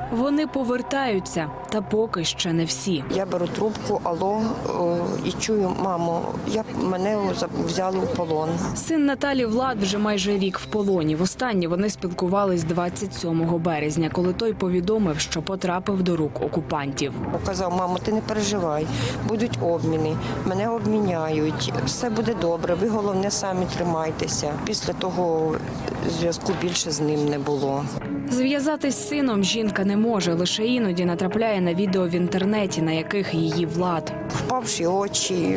Вони повертаються, та поки ще не всі. Я беру трубку, алло, і чую, мамо, мене взяли в полон. Син Наталі Влад вже майже рік в полоні. Востаннє вони спілкувались 27 березня, коли той повідомив, що потрапив до рук окупантів. Казав, мамо, ти не переживай, будуть обміни, мене обміняють, все буде добре, ви головне самі тримайтеся. Після того зв'язку більше з ним не було. Зв'язатись з сином жінка не може, лише іноді натрапляє на відео в інтернеті, на яких її Влад. Впавші очі,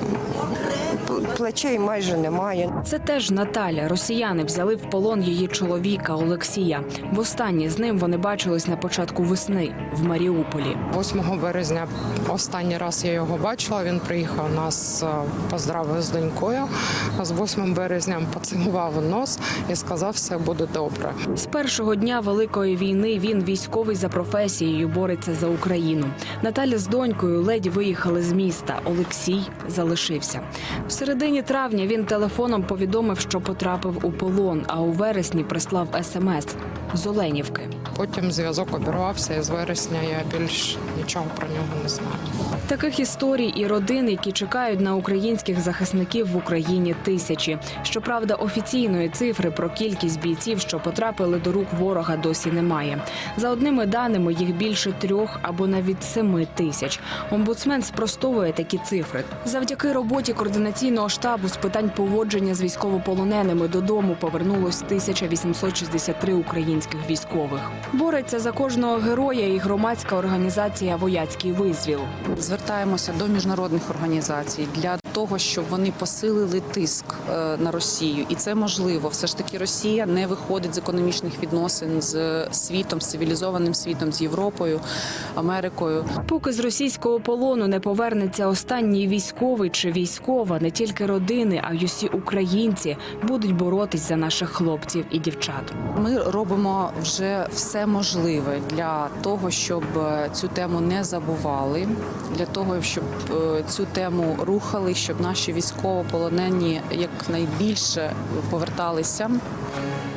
плечей майже немає. Це теж Наталя. Росіяни взяли в полон її чоловіка Олексія. Востаннє з ним вони бачились на початку весни в Маріуполі. 8 березня останній раз я його бачила, він приїхав нас, поздравив з донькою. З 8 березня поцілував у нос і сказав, все буде добре. З першого дня Великої війни він військовий за професією, бореться за Україну. Наталя з донькою ледь виїхали з міста. Олексій залишився. В середині травня він телефоном повідомив, що потрапив у полон, а у вересні прислав СМС з Оленівки. Потім зв'язок обірвався, і з вересня я більш нічого про нього не знаю. Таких історій і родин, які чекають на українських захисників в Україні, тисячі. Щоправда, офіційної цифри про кількість бійців, що потрапили до рук ворога, досі немає. За одними даними, їх більше 3 або навіть 7 тисяч. Омбудсмен спростовує такі цифри. Завдяки роботі координаційного штабу з питань поводження з військовополоненими додому повернулось 1863 українських військових. Бореться за кожного героя і громадська організація «Вояцький визвіл». Звертаємося до міжнародних організацій для того, щоб вони посилили тиск на Росію. І це можливо. Все ж таки Росія не виходить з економічних відносин з світом, з цивілізованим світом, з Європою, Америкою. Поки з російського полону не повернеться останній військовий чи військова, не тільки родини, а й усі українці будуть боротись за наших хлопців і дівчат. Ми робимо вже все можливе для того, щоб цю тему не забували, для того, щоб цю тему рухали, щоб наші військовополонені якнайбільше поверталися.